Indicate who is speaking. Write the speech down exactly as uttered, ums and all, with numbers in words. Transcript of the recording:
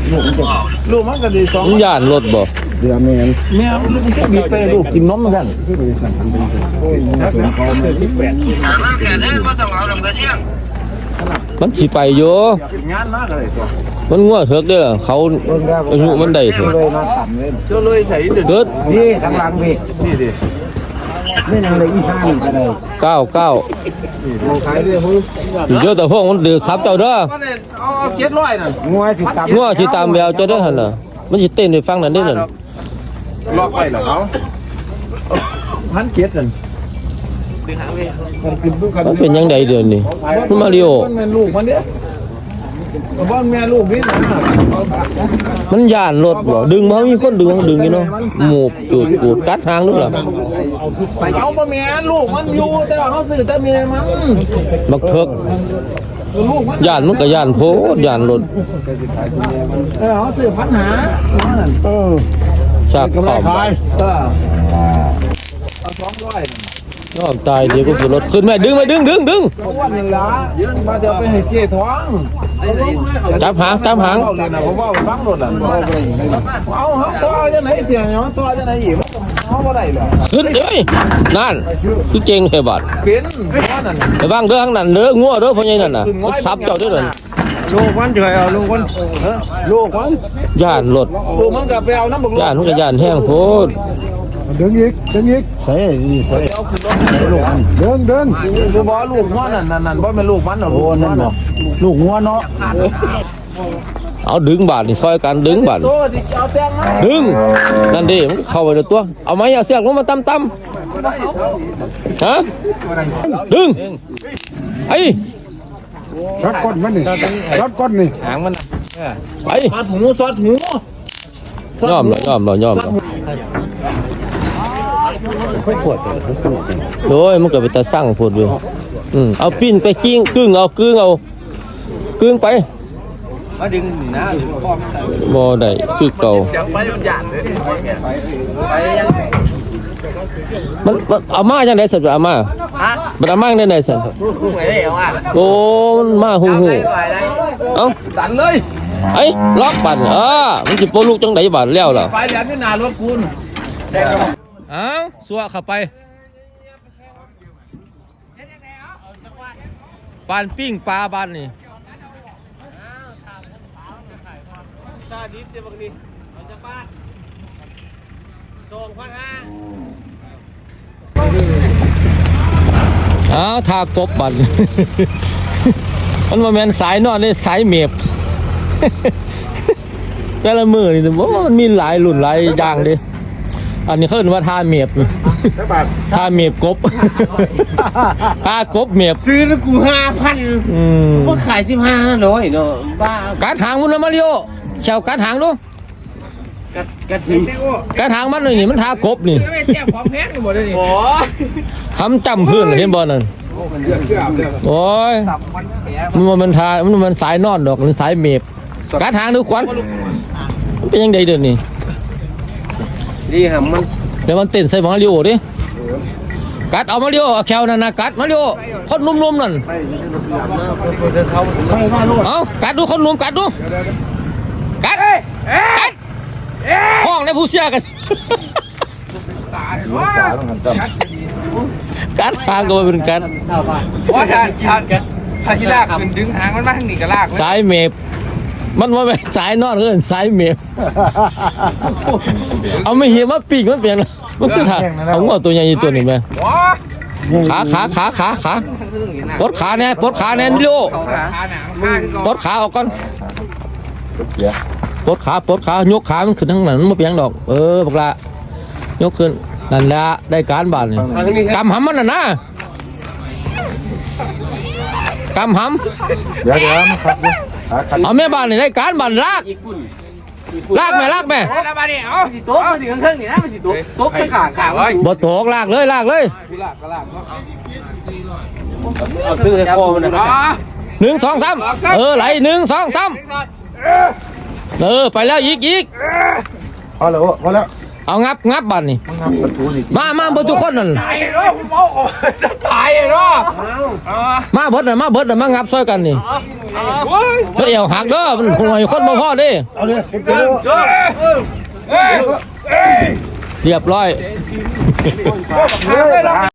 Speaker 1: ลูกมันก็ดีสอง
Speaker 2: ย่านรถบ่เดี๋ยวแม่น
Speaker 1: แม่มันก็บีบไปลูกกินนมเหมือนกันสิบแปด
Speaker 2: มันสิไปอยู่
Speaker 1: งานมากเลยตัว
Speaker 2: มันงัวเถิกเด้อเขาอายุมันได้เถอะ
Speaker 3: เลยมาต่ำเลย
Speaker 1: เจ้าเลยใส่เดือด
Speaker 2: เกิด
Speaker 3: นี่กำลังพี่
Speaker 1: นี่ดิ
Speaker 3: ไม่นางเลยอีห้านี่ก็ได้
Speaker 2: เก้าเก้า
Speaker 1: ขายด้วยฮู้
Speaker 2: เยอะแต่พวกมันดื้อครับเจ้าเด้อ
Speaker 1: ก็เนี่ยเอาเอาเจ็ดร้อยน่ะ
Speaker 3: งัวสิต่ำ
Speaker 2: งัวสิตามแววเจ้าเด้อหั่นน่ะมันสิเต้นให้ฟังนั่นเด้อนั่น
Speaker 1: ล็อกไปเหรอเขาพันเจ็ดนั่น
Speaker 2: มันเป็นยังไงเดือนนี้มันมาริโอ
Speaker 1: มันเป็นลูกมันเนี่ยบ้านแม่ลูกนี่นะ
Speaker 2: มันย่านรถบ่ดึงบ่มีคนดึงดึงอยู่เนาะหมูบจูดปูดกัดหางลูกล่ะ
Speaker 1: ไปเอาบ่แม่ลูกมันอยู่แต่ว่าเขาซื้อแต่เมียมัน
Speaker 2: บักเถิก
Speaker 1: ลูกมัน
Speaker 2: ย่านมันก็ย่านโพดย่านรถ
Speaker 1: เออเขาซื้อพันหานั่น
Speaker 3: เออ
Speaker 2: ชากขอบ
Speaker 1: เออเอาสองร้อย
Speaker 2: ยอมตายเดี๋ยวก็คือรถขึ้นแม่ดึงไปดึงดึงดึง
Speaker 1: เอาวันนี้ละมาเดี๋ยวไปให้เจ๊ท้อง
Speaker 2: จับหางจับหาง
Speaker 1: เอาเลยนะผมว่าฟังรถอ่ะเอาเอาตัวจะไหนเสียงเนาะตัวจะไหนอีกเขาบ่ได้เลย
Speaker 2: ขึ้นเอ้ยนั่นคือเก่งแค่บาด
Speaker 1: เป็นว่านั่น
Speaker 2: ไปบ้างเด้อข้างนั้นเด้องัวเด้อพ่อใหญ่นั่นน่ะมันซับเจ้าเด้อนั่น
Speaker 1: ลูกมันจะเอาลูกมันลูกมัน
Speaker 2: ย่านรถ
Speaker 1: ลูกมันกับไปเอาน้ำบุก
Speaker 2: ย่านมันก็ย่านแห้งโพด
Speaker 3: เดินอีกเดินอีกใส่นี่ใส่
Speaker 1: เอาขึ้นรถลูกมัน
Speaker 3: เดินเดิน
Speaker 1: คือบอกลูกมันนั่นนั่นนั่นบ่เป็นลูกมันหรอกลูกมันเนาะ
Speaker 3: ลูกงัวเนาะ
Speaker 2: เอาดึงบาดนี่ซอยกันดึงบาด
Speaker 1: ตัวที่เอาแตงมา
Speaker 2: ดึงนั่นดิมันเข้าไปในตัวเอาไม้เอาเสียกลงมาต่ำๆฮะดึงไอ้
Speaker 3: รัดก้นมันนี่รัดก้นนี่
Speaker 1: หางมัน
Speaker 2: ไป
Speaker 1: ซอดหูซอดหู
Speaker 2: ยอมเลยยอมเลยยอมเลยโอ้ยมันก็ไปตาสั่งพูดอยู่อืมเอาปิ้นไปกิ้งกึ่งเอากึ่งเอากึ่งไป
Speaker 1: มาดึงนะพ่อไม่ใส่
Speaker 2: บ่ได้คือเก่า
Speaker 1: จังไปมันหยาดเลยไปยัง
Speaker 2: มันมันเอามาจังได๋สัตว์เอามา
Speaker 1: ฮะ
Speaker 2: บ่เอามาจังได๋สัตว์
Speaker 1: คู่ไหนได้เอาอ่ะ
Speaker 2: โอ้มันมาฮู้ฮู้เอ้า
Speaker 1: ดันเลย
Speaker 2: ไอ้ล็อกบัดเออมันสิโปลูกจังได๋บัดแล้วล่ะ
Speaker 1: ไปเดี๋ยวนี่นารถคุณ
Speaker 2: เอ้าสัวเข้าไปปานปิ้งปลาบ้านนี่
Speaker 1: ซาดิสเดี๋ยวบางทีเราจะป้าสองพันห้า
Speaker 2: อ้าวทากบบัด มันมาแม่นสายนอนนี่สายเมบ แต่ละมือนี่บ่มันมีหลายรุ่นหลายอย่างเดิอันนี้เขาเรียกว่าทาเมบทาเมบกบ ทากบเมบ
Speaker 1: ซื้อแล้วกูห้าพัน
Speaker 2: อืม
Speaker 1: ก็ขายสิบห้าร้อยเนาะบ้า
Speaker 2: กัดหางมันนะมาริโอเชาวกัดหางดู
Speaker 1: กัดกัดทิ้ง
Speaker 2: กัดหางมันนี่มันทากบนี่
Speaker 1: ไม่แจ้งของแพงหมดเลยนี่โอ้
Speaker 2: ทำจำพื้นเห็นบ่นั่นโอ้ยมันบ่มันทามันมันสายนอนดอกมันสายเมบกัดหางดูควันมันเป็นยังไงเดี๋ยวนี้
Speaker 1: นี่หำมัน
Speaker 2: เดี๋ยวมันเต้นใส่มาริโอดิกัดเอามาริโอเอาแควนั่นนะกัดมาริโอคนนุ่มๆนั่นเอากัดดูคนนุ่มกัดดูกัดกัดห้องในผู้เชี่ยกันกัดหางก็เป็นกัด
Speaker 1: ว่าทานทานกันพาชิลากขึ้นดึงหางมันมาทางนี้ก็ลาก
Speaker 2: สายเมบมันว่าเป็นสายนอนเกินสายเมบเอาไม่เหี้ยมาปีกมันเปลี่ยนมันคือถ่าเอาหัวตัวใหญ่ตัวนี้ไหมขาขาขาขาขาปลดขาเนี่ยปลดขาเนี่ยนิโล
Speaker 1: ขาหนังข้าคือ
Speaker 2: ปลดขาออกก่อนปลดขาปลดขายกขามันขึ้นทั้งนั้นมันไม่เปลี่ยนดอกเออปลายกขึ้นนั่นแหละได้การบาดนี่กำหำมันน่ะนะกำหำ
Speaker 3: เดี๋ยวเดี๋ยวมันขัดอยู่ขาขัด
Speaker 2: เอาแม่บ้านนี่ได้การบ้านลากลากแม่ลากแม่
Speaker 1: แล้วมาเนี่ยเอาสิโต๊ะมาถึงเครื่องนี่นะมันสิโต๊ะโต๊ะขาขาไว้
Speaker 2: บ่โตกลากเลยลากเลย
Speaker 1: ลากก็ลากเนาะ
Speaker 3: เอาซื้อให้พ่อมันนะ
Speaker 1: อ๋อ
Speaker 2: หนึ่งสองสามเออไหลหนึ่งสองสามเออไปแล้วอีกอีก
Speaker 3: พอแล้วพอแล้ว
Speaker 2: เอางับงับบ้านนี่
Speaker 3: มันงับประตูนี่
Speaker 2: มามาเบิดทุกคนนั่น
Speaker 1: ตายเนาะผมเอาจะตายเนาะ
Speaker 2: มาเบิดน่ะมาเบิดน่ะมางับซอยกันนี่
Speaker 1: ม
Speaker 2: มันเอวหักเด้อมันคงให้คนบ่พอเด้
Speaker 3: เอาเลยเร็ว
Speaker 2: เรียบร้อย
Speaker 3: เร็ว